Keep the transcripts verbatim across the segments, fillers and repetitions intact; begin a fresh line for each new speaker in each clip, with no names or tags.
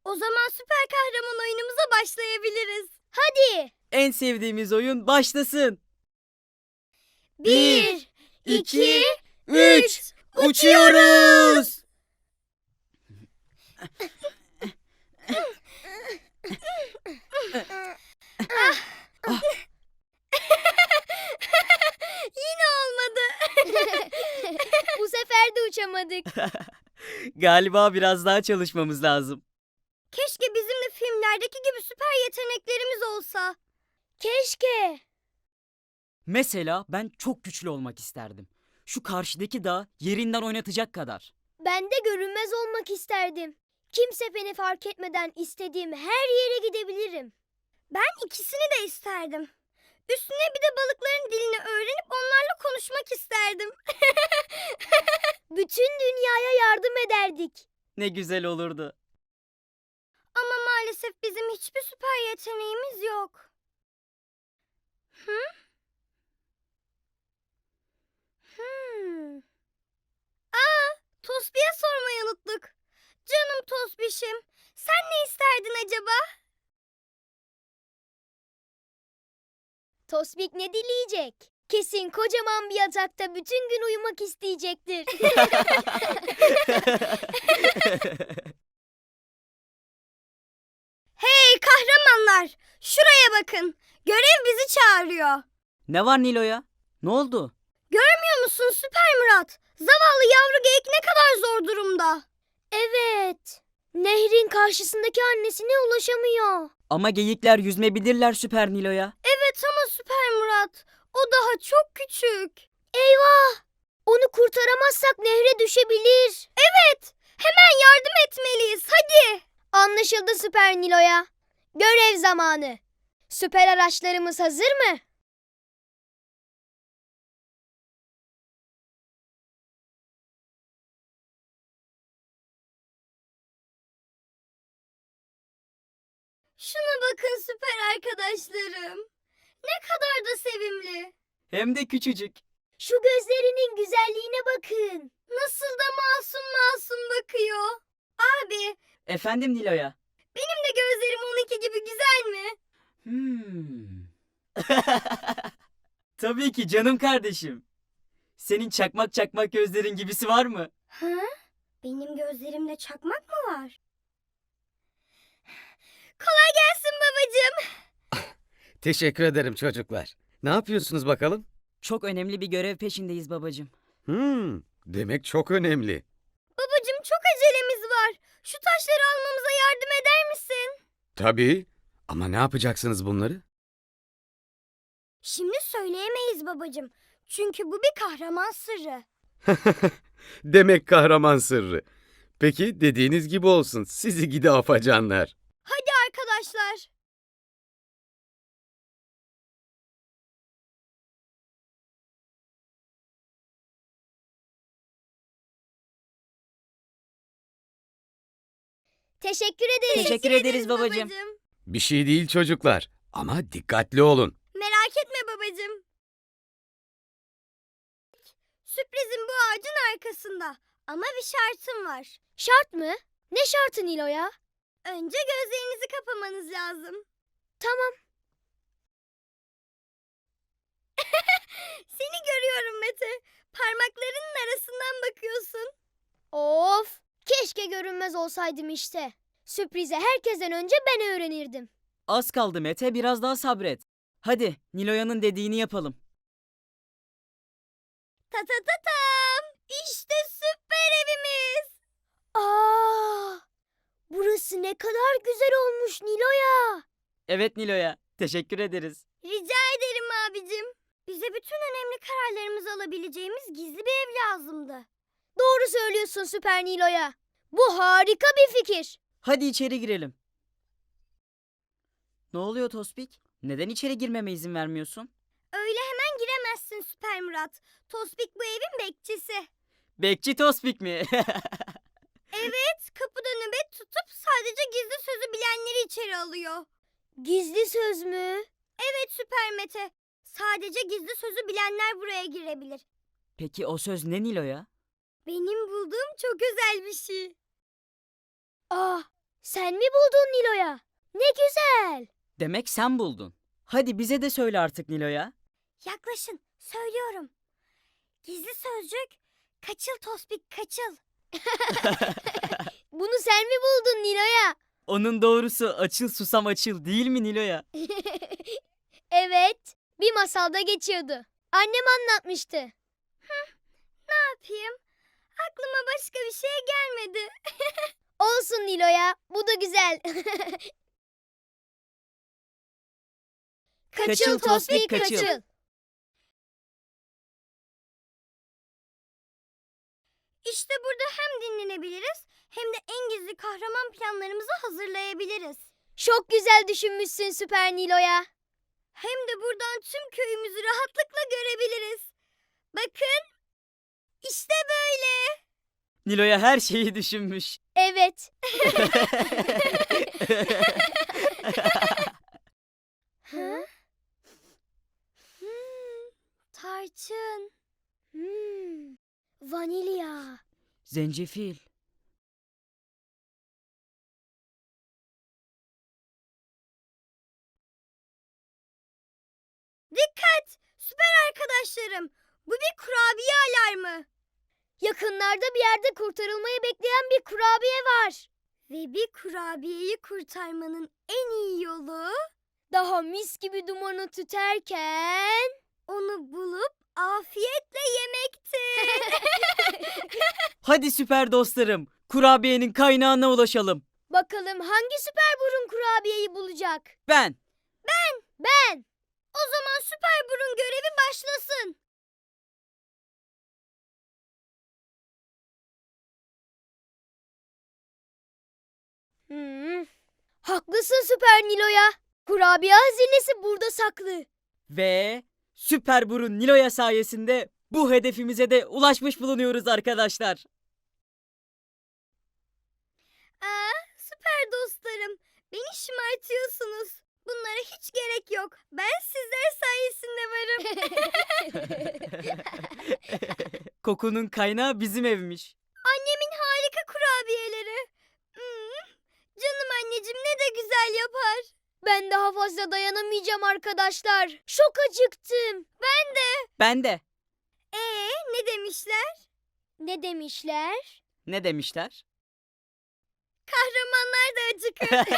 O zaman süper kahraman oyunumuza başlayabiliriz. Hadi.
En sevdiğimiz oyun başlasın.
Bir, iki,
üç. Uçuyoruz.
Yine olmadı. Bu sefer de uçamadık.
Galiba biraz daha çalışmamız lazım.
Keşke bizim de filmlerdeki gibi süper yeteneklerimiz olsa. Keşke.
Mesela ben çok güçlü olmak isterdim. Şu karşıdaki dağ yerinden oynatacak kadar.
Ben de görünmez olmak isterdim. Kimse beni fark etmeden istediğim her yere gidebilirim. Ben ikisini de isterdim. Üstüne bir de balıkların dilini öğrenip onlarla konuşmak isterdim. Bütün dünyaya yardım ederdik.
Ne güzel olurdu.
Ama maalesef bizim hiçbir süper yeteneğimiz yok. Hı? Hmm. Aa, Tosbih'e sormayı unuttuk. Canım Tosbiş'im, sen ne isterdin acaba? Tosbik ne dileyecek? Kesin kocaman bir yatakta bütün gün uyumak isteyecektir. Hey kahramanlar! Şuraya bakın. Görev bizi çağırıyor.
Ne var Nilo'ya? Ne oldu?
Görmüyor musun Süper Murat? Zavallı yavru geyik ne kadar zor durumda. Evet. Nehrin karşısındaki annesine ulaşamıyor.
Ama geyikler yüzme bilirler Süper Nilo'ya.
Evet ama Süper Murat, o daha çok küçük. Eyvah! Onu kurtaramazsak nehre düşebilir. Evet, hemen yardım etmeliyiz, hadi. Anlaşıldı Süper Nilo'ya. Görev zamanı. Süper araçlarımız hazır mı? Şuna bakın süper arkadaşlarım. Ne kadar da sevimli.
Hem de küçücük.
Şu gözlerinin güzelliğine bakın. Nasıl da masum masum bakıyor. Abi,
Efendim Nilo'ya?
benim de gözlerim onunki gibi güzel mi?
Hmm. Tabii ki canım kardeşim. Senin çakmak çakmak gözlerin gibisi var mı?
Ha? Benim gözlerimde çakmak mı var? Kolay gelsin babacığım.
Teşekkür ederim çocuklar. Ne yapıyorsunuz bakalım?
Çok önemli bir görev peşindeyiz babacığım.
Hmm, demek çok önemli.
Babacığım çok acelemiz var. Şu taşları almamıza yardım eder misin?
Tabii. Ama ne yapacaksınız bunları?
Şimdi söyleyemeyiz babacığım. Çünkü bu bir kahraman sırrı.
Demek kahraman sırrı. Peki dediğiniz gibi olsun. Sizi gidi afacanlar.
Hadi arkadaşlar. Teşekkür ederiz.
Teşekkür ederiz babacığım.
Bir şey değil çocuklar. Ama dikkatli olun.
Merak etme babacığım. Sürprizim bu ağacın arkasında. Ama bir şartım var. Şart mı? Ne şartı Nilo'ya? Önce gözlerinizi kapamanız lazım. Tamam. Seni görüyorum Mete. Parmaklarının arasından bakıyorsun. Of! Keşke görünmez olsaydım işte. Sürprizi herkesten önce ben öğrenirdim.
Az kaldı Mete, biraz daha sabret. Hadi Nilo'yanın dediğini yapalım.
Ta ta ta tam! İşte süper evimiz. Aa! Burası ne kadar güzel olmuş Nilo'ya.
Evet Nilo'ya, teşekkür ederiz.
Rica ederim abicim. Bize bütün önemli kararlarımızı alabileceğimiz gizli bir ev lazımdı. Doğru söylüyorsun Süper Nilo'ya. Bu harika bir fikir.
Hadi içeri girelim. Ne oluyor Tospik? Neden içeri girmeme izin vermiyorsun?
Öyle hemen giremezsin Süper Murat. Tospik bu evin bekçisi.
Bekçi Tospik mi?
Evet, kapıda nöbet tutup sadece gizli sözü bilenleri içeri alıyor. Gizli söz mü? Evet Süper Mete. Sadece gizli sözü bilenler buraya girebilir.
Peki o söz ne Nilo'ya?
Benim bulduğum çok özel bir şey. Ah, Sen mi buldun Nilo'ya? Ne güzel.
Demek sen buldun. Hadi bize de söyle artık Nilo'ya.
Yaklaşın, söylüyorum. Gizli sözcük, kaçıl Tospik kaçıl. Bunu sen mi buldun Nilo'ya?
Onun doğrusu açıl susam açıl değil mi Nilo'ya?
Evet, bir masalda geçiyordu. Annem anlatmıştı. Ne yapayım? Aklıma başka bir şey gelmedi. Olsun Nilo'ya, bu da güzel.
Kaçıl Tospik, kaçıl.
İşte burada hem dinlenebiliriz hem de en gizli kahraman planlarımızı hazırlayabiliriz. Çok güzel düşünmüşsün Süper Nilo'ya. Hem de buradan tüm köyümüzü rahatlıkla görebiliriz. Bakın, işte böyle.
Nilo'ya her şeyi düşünmüş.
Evet. Hı? Hmm, tarçın. Hmm, vanilya.
Zencefil.
Dikkat! Süper arkadaşlarım. Bu bir kurabiye alarmı. Yakınlarda bir yerde kurtarılmayı bekleyen bir kurabiye var. Ve bir kurabiyeyi kurtarmanın en iyi yolu... Daha mis gibi dumanı tüterken... Onu bulup afiyetle yemektir.
Hadi süper dostlarım. Kurabiyenin kaynağına ulaşalım.
Bakalım hangi süper burun kurabiyeyi bulacak?
Ben.
Ben. O zaman süper burun görevi başlasın. Hmm. Haklısın Süper Nilo'ya. Kurabiye hazinesi burada saklı.
Ve süper burun Nilo'ya sayesinde bu hedefimize de ulaşmış bulunuyoruz arkadaşlar.
Aa, süper dostlarım. Beni şımartıyorsunuz. Bunlara hiç gerek yok. Ben sizler sayesinde varım.
Kokunun kaynağı bizim evmiş.
Annemin harika kurabiyeleri. Hmm, canım anneciğim ne de güzel yapar. Ben daha fazla dayanamayacağım arkadaşlar. Çok acıktım. Ben de.
Ben de.
Ee, ne demişler? Ne demişler?
Ne demişler?
Kahramanlar da acıkır.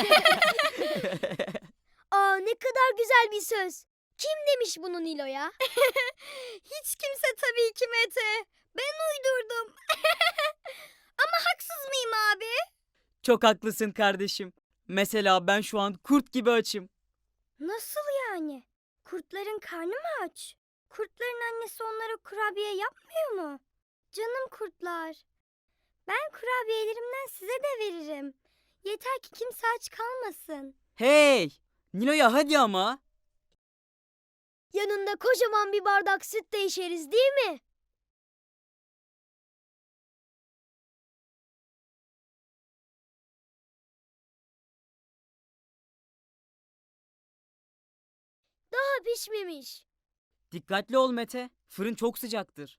Aa, ne kadar güzel bir söz. Kim demiş bunu Nilo'ya? Hiç kimse tabii ki Mete. Ben uydurdum. Ama haksız mıyım abi?
Çok haklısın kardeşim. Mesela ben şu an kurt gibi açım.
Nasıl yani? Kurtların karnı mı aç? Kurtların annesi onlara kurabiye yapmıyor mu? Canım kurtlar. Ben kurabiyelerimden size de veririm. Yeter ki kimse aç kalmasın.
Hey! Nilo'ya hadi ama.
Yanında kocaman bir bardak süt de içeriz değil mi? Daha pişmemiş.
Dikkatli ol Mete. Fırın çok sıcaktır.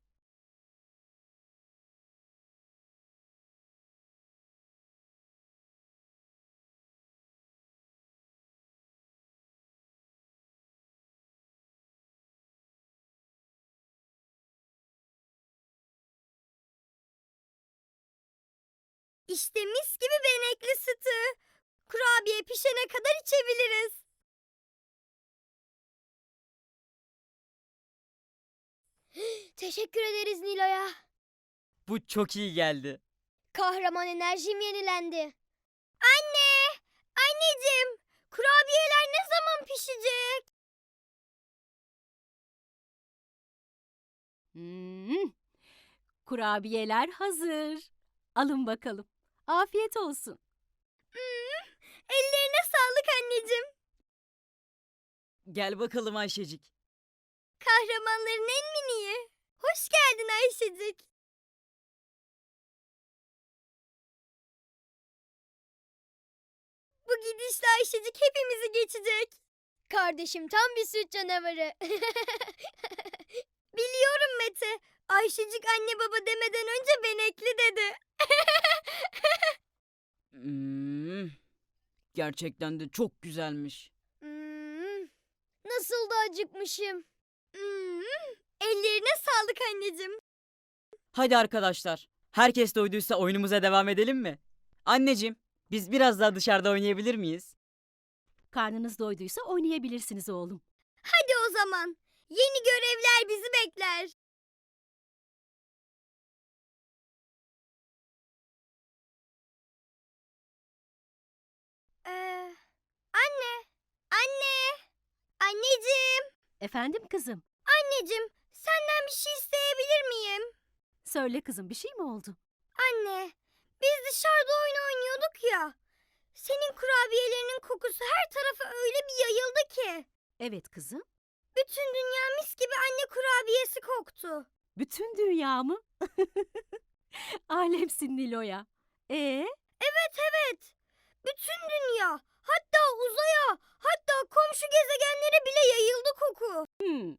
İşte mis gibi benekli sütü. Kurabiye pişene kadar içebiliriz. Teşekkür ederiz Nilo'ya.
Bu çok iyi geldi.
Kahraman enerjim yenilendi. Anne! Anneciğim! Kurabiyeler ne zaman pişecek?
Hmm, kurabiyeler hazır. Alın bakalım. Afiyet olsun.
Hmm, ellerine sağlık anneciğim.
Gel bakalım Ayşecik.
Kahramanların en miniği. Hoş geldin Ayşecik. Bu gidişle Ayşecik hepimizi geçecek. Kardeşim tam bir süt canavarı. Biliyorum Mete. Ayşecik anne baba demeden önce benekli dedi.
Hmm, gerçekten de çok güzelmiş.
Hmm, nasıl da acıkmışım. Hmm, ellerine sağlık anneciğim.
Hadi arkadaşlar, herkes doyduysa oyunumuza devam edelim mi? Anneciğim, biz biraz daha dışarıda oynayabilir miyiz?
Karnınız doyduysa oynayabilirsiniz oğlum.
Hadi o zaman. Yeni görevler bizi bekler. Ee, anne, anne, anneciğim,
Efendim kızım?
anneciğim, senden bir şey isteyebilir miyim?
Söyle kızım, bir şey mi oldu?
Anne, biz dışarıda oyun oynuyorduk ya. Senin kurabiyelerinin kokusu her tarafa öyle bir yayıldı ki.
Evet kızım.
Bütün dünya mis gibi anne kurabiyesi koktu.
Bütün dünya mı? Alemsin Nilo'ya. Ee,
Evet evet. Bütün dünya, hatta uzaya, hatta komşu gezegenlere bile yayıldı koku.
hmm.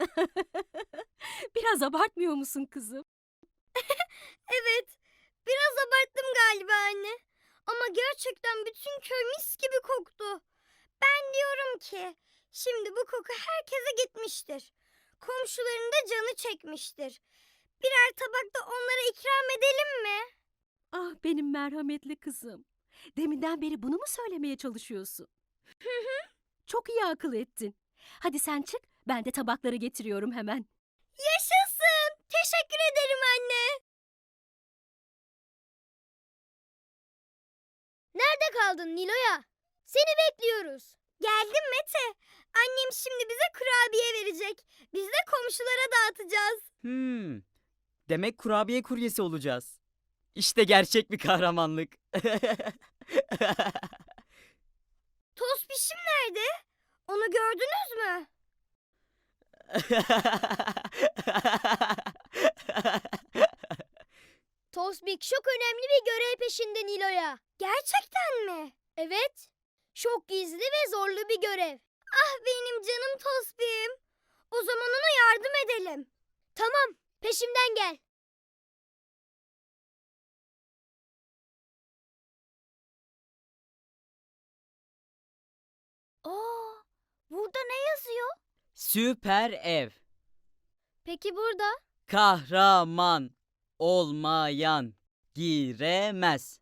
Biraz abartmıyor musun kızım?
Evet, biraz abarttım galiba anne. Ama gerçekten bütün köy mis gibi koktu. Ben diyorum ki, şimdi bu koku herkese gitmiştir. Komşuların da canı çekmiştir. Birer tabak da onlara ikram edelim mi?
Ah benim merhametli kızım. Deminden beri bunu mu söylemeye çalışıyorsun? Çok iyi akıl ettin. Hadi sen çık, ben de tabakları getiriyorum hemen.
Yaşasın! Teşekkür ederim anne. Nerede kaldın Nilo'ya? Seni bekliyoruz. Geldim Mete. Annem şimdi bize kurabiye verecek. Biz de komşulara dağıtacağız.
Hmm, demek kurabiye kuryesi olacağız. İşte gerçek bir kahramanlık.
Tospişim nerede? Onu gördünüz mü? Tosbik çok önemli bir görev peşinde Nilo'ya. Gerçekten mi? Evet. Çok gizli ve zorlu bir görev. Ah benim canım Tosbik'im. O zaman ona yardım edelim. Tamam, peşimden gel. Aa, burada ne yazıyor?
Süper ev.
Peki burada?
Kahraman olmayan giremez.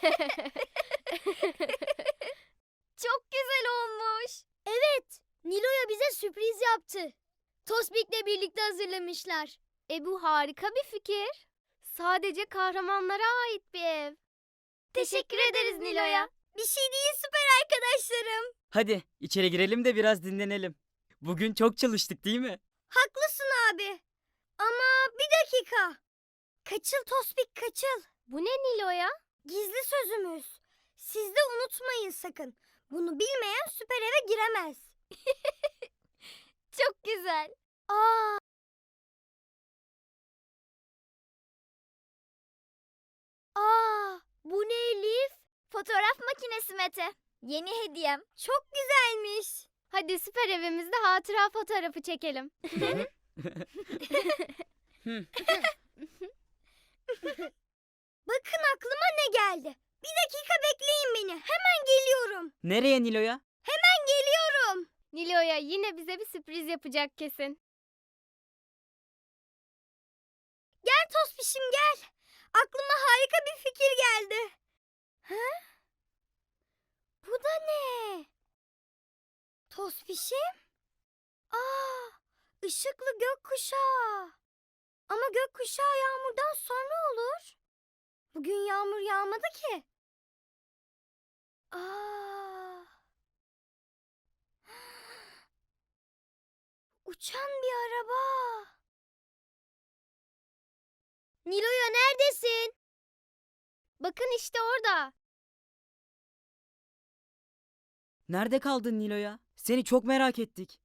Çok güzel olmuş. Evet, Nilo'ya bize sürpriz yaptı. Tosbik'le birlikte hazırlamışlar. E bu harika bir fikir. Sadece kahramanlara ait bir ev. Teşekkür ederiz Nilo'ya. Bir şey değil süper arkadaşlarım.
Hadi içeri girelim de biraz dinlenelim. Bugün çok çalıştık değil mi?
Haklısın abi. Ama bir dakika. Kaçıl Tosbik kaçıl. Bu ne Nilo'ya? Gizli sözümüz. Siz de unutmayın sakın. Bunu bilmeyen süper eve giremez. Çok güzel. Aa. Aa, bu ne Elif? Fotoğraf makinesi Mete. Yeni hediyem. Çok güzelmiş. Hadi süper evimizde hatıra fotoğrafı çekelim. Bakın aklıma ne geldi. Bir dakika bekleyin beni. Hemen geliyorum.
Nereye Nilo'ya?
Hemen geliyorum. Nilo'ya yine bize bir sürpriz yapacak kesin. Gel Tospişim gel. Aklıma harika bir fikir geldi. Ha? Bu da ne? Tospişim? Aa, ışıklı gökkuşağı. Ama gökkuşağı yağmurdan sonra olur. Bugün yağmur yağmadı ki. Aa. Uçan bir araba. Nilo'ya neredesin? Bakın işte orada.
Nerede kaldın Nilo'ya? Seni çok merak ettik.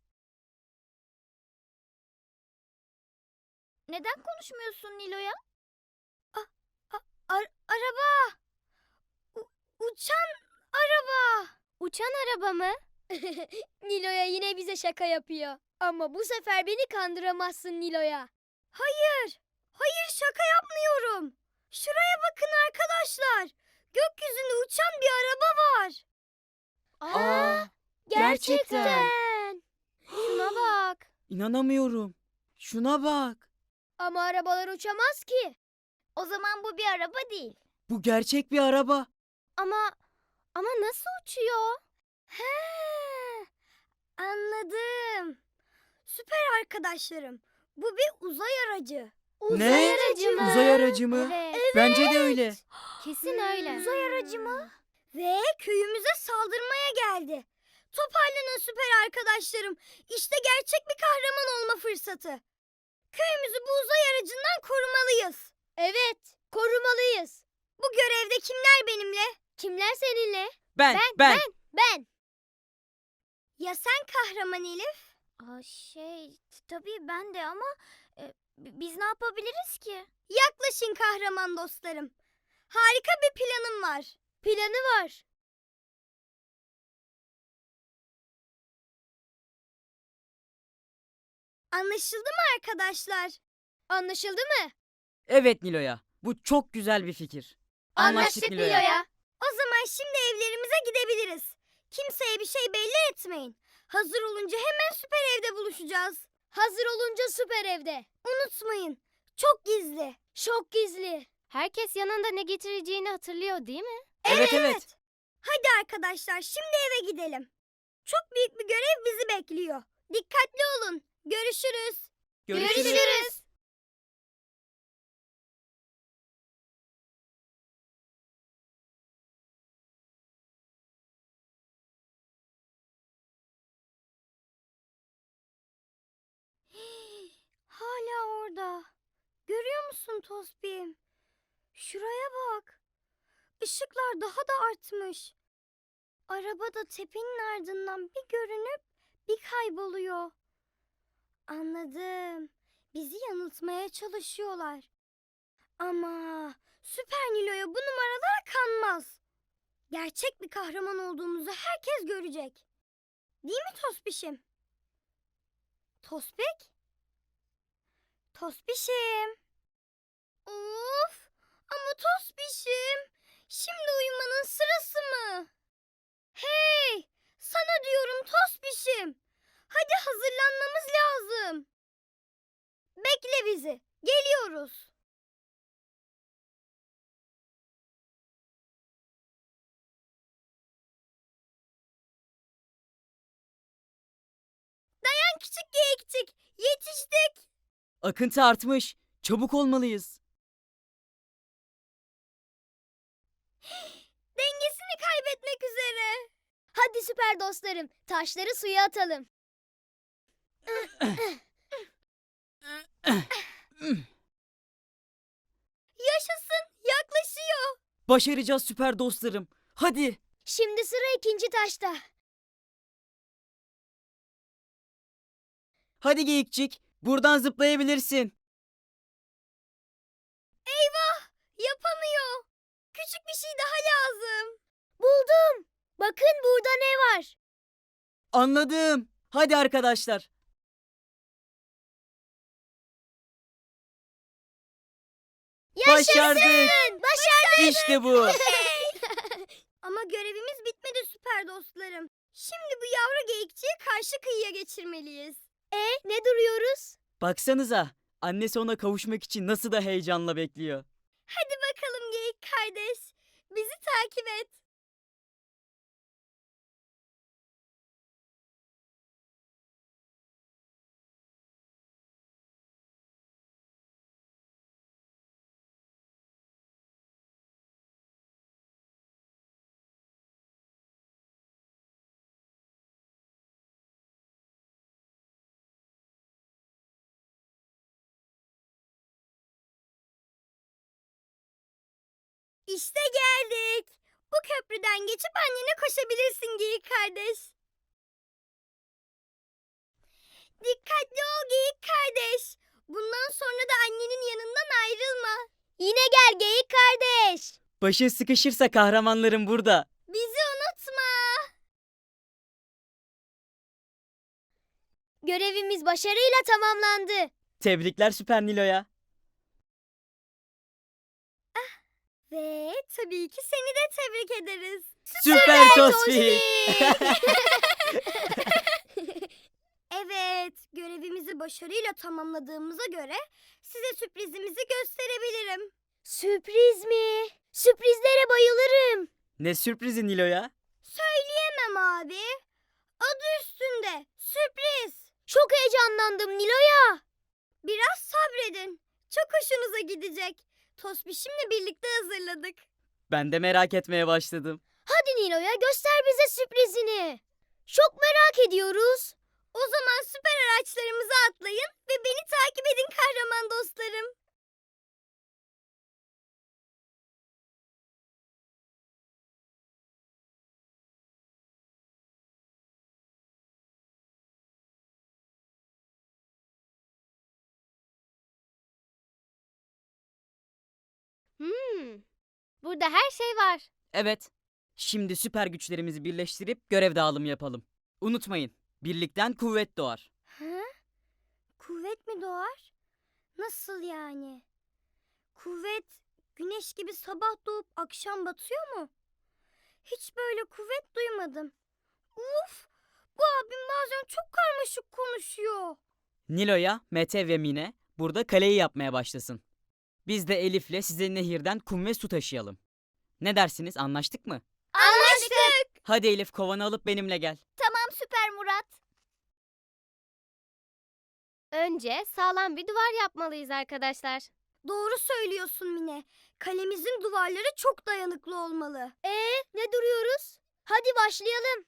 Neden konuşmuyorsun Nilo'ya? A- a- ar- araba. U- uçan araba. Uçan araba mı? Nilo'ya yine bize şaka yapıyor. Ama bu sefer beni kandıramazsın Nilo'ya. Hayır. Hayır şaka yapmıyorum. Şuraya bakın arkadaşlar. Gökyüzünde uçan bir araba var.
Aa, gerçekten.
Şuna bak.
İnanamıyorum. Şuna bak.
Ama arabalar uçamaz ki. O zaman bu bir araba değil.
Bu gerçek bir araba.
Ama ama nasıl uçuyor? He, anladım. Süper arkadaşlarım. Bu bir uzay aracı.
Ne?
aracı mı?
Uzay aracı mı?
Evet.
Bence de öyle.
Kesin öyle. Uzay aracı mı? Ve köyümüze saldırmaya geldi. Toparlanın süper arkadaşlarım. İşte gerçek bir kahraman olma fırsatı. Köyümüzü bu uzay aracından korumalıyız. Evet, korumalıyız. Bu görevde kimler benimle? Kimler seninle?
Ben, ben.
Ben. Ya sen kahraman Elif? Aa, şey, tabii ben de ama e, biz ne yapabiliriz ki? Yaklaşın kahraman dostlarım. Harika bir planım var. Planı var. Anlaşıldı mı arkadaşlar? Anlaşıldı mı?
Evet Nilo'ya. Bu çok güzel bir fikir. Anlaştık Nilo'ya.
O zaman şimdi evlerimize gidebiliriz. Kimseye bir şey belli etmeyin. Hazır olunca hemen süper evde buluşacağız. Hazır olunca süper evde. Unutmayın. Çok gizli. Çok gizli. Herkes yanında ne getireceğini hatırlıyor değil mi?
Evet, evet.
Hadi arkadaşlar şimdi eve gidelim. Çok büyük bir görev bizi bekliyor. Dikkatli olun. Görüşürüz.
Görüşürüz.
Hala orada. Görüyor musun Tospim? Şuraya bak. Işıklar daha da artmış. Araba da tepenin ardından bir görünüp bir kayboluyor. Anladım. Bizi yanıltmaya çalışıyorlar. Ama Süper Nilo'ya bu numaralar kanmaz. Gerçek bir kahraman olduğumuzu herkes görecek. Değil mi Tospişim? Tospik? Tospişim. Of! Ama Tospişim, şimdi uyumanın sırası mı? Hey! Sana diyorum Tospişim. Hadi hazırlanmamız lazım. Bekle bizi. Geliyoruz. Dayan küçük geyikçik. Yetiştik.
Akıntı artmış. Çabuk olmalıyız.
Dengesini kaybetmek üzere. Hadi süper dostlarım, taşları suya atalım. Yaşasın, yaklaşıyor.
Başaracağız süper dostlarım. Hadi.
Şimdi sıra ikinci taşta.
Hadi geyikçik. Buradan zıplayabilirsin.
Eyvah, yapamıyor. Küçük bir şey daha lazım. Buldum. Bakın burada ne var?
Anladım. Hadi arkadaşlar. Başardık.
Başardık.
İşte bu.
Ama görevimiz bitmedi süper dostlarım. Şimdi bu yavru geyikçiyi karşı kıyıya geçirmeliyiz. E ne duruyoruz?
Baksanıza. Annesi ona kavuşmak için nasıl da heyecanla bekliyor.
Hadi bakalım geyik kardeş. Bizi takip et. İşte geldik. Bu köprüden geçip annene koşabilirsin geyik kardeş. Dikkatli ol geyik kardeş. Bundan sonra da annenin yanından ayrılma. Yine gel geyik kardeş.
Başın sıkışırsa kahramanlarım burada.
Bizi unutma. Görevimiz başarıyla tamamlandı.
Tebrikler Süper Nilo'ya.
Ve tabii ki seni de tebrik ederiz.
Süper Tosbik.
Evet, görevimizi başarıyla tamamladığımıza göre size sürprizimizi gösterebilirim. Sürpriz mi? Sürprizlere bayılırım.
Ne sürprizi Nilo ya?
Söyleyemem abi. Adı üstünde. Sürpriz. Çok heyecanlandım Nilo'ya. Biraz sabredin. Çok hoşunuza gidecek. Tosbişimle birlikte hazırladık.
Ben de merak etmeye başladım.
Hadi Nilo'ya göster bize sürprizini. Çok merak ediyoruz. O zaman süper araçlarımıza atlayın ve beni takip edin kahraman dostlarım.
Hmm, burada her şey var.
Evet. Şimdi süper güçlerimizi birleştirip görev dağılımı yapalım. Unutmayın, birlikten kuvvet doğar.
Ha? Kuvvet mi doğar? Nasıl yani? Kuvvet güneş gibi sabah doğup akşam batıyor mu? Hiç böyle kuvvet duymadım. Uf! Bu abim bazen çok karmaşık konuşuyor.
Nilo'ya, Mete ve Mine burada kaleyi yapmaya başlasın. Biz de Elif'le size nehirden kum ve su taşıyalım. Ne dersiniz, anlaştık mı?
Anlaştık.
Hadi Elif, kovanı alıp benimle gel.
Tamam Süper Murat.
Önce sağlam bir duvar yapmalıyız arkadaşlar.
Doğru söylüyorsun Mine. Kalemizin duvarları çok dayanıklı olmalı. Ee, ne duruyoruz? Hadi başlayalım.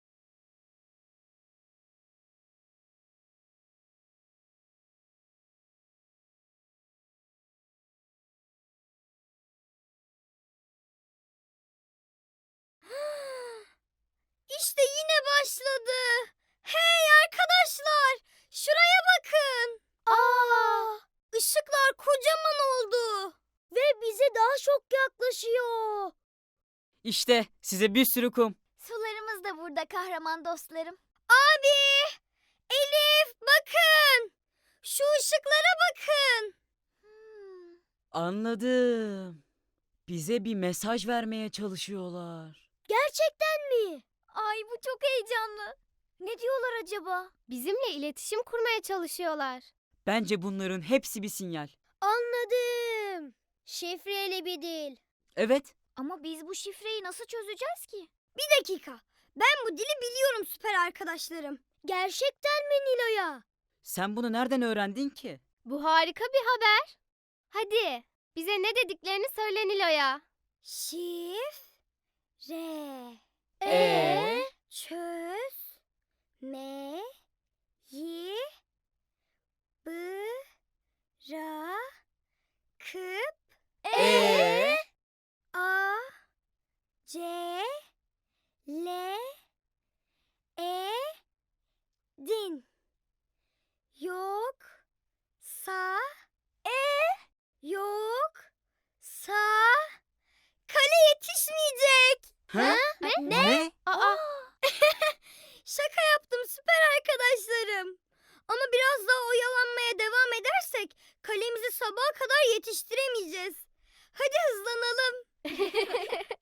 İşte yine başladı. Hey arkadaşlar, şuraya bakın. Aa, ışıklar kocaman oldu ve bize daha çok yaklaşıyor.
İşte size bir sürü kum.
Sularımız da burada kahraman dostlarım. Abi, Elif bakın. Şu ışıklara bakın. Hmm.
Anladım. Bize bir mesaj vermeye çalışıyorlar.
Gerçekten mi? Ay bu çok heyecanlı. Ne diyorlar acaba?
Bizimle iletişim kurmaya çalışıyorlar.
Bence bunların hepsi bir sinyal.
Anladım. Şifreli bir dil.
Evet,
Ama biz bu şifreyi nasıl çözeceğiz ki? Bir dakika. Ben bu dili biliyorum süper arkadaşlarım. Gerçekten mi Nilo'ya?
sen bunu nereden öğrendin ki?
Bu harika bir haber. Hadi bize ne dediklerini söyle Nilo'ya.
Şif re
Ee?
çöz me yi bı ra kıp
Ee?
a c l e din yok sa e yok sa kale yetişmeyecek.
Ha?
Ne?
Ne?
Aa,
Şaka yaptım süper arkadaşlarım. Ama biraz daha oyalanmaya devam edersek kalemizi sabaha kadar yetiştiremeyeceğiz. Hadi hızlanalım.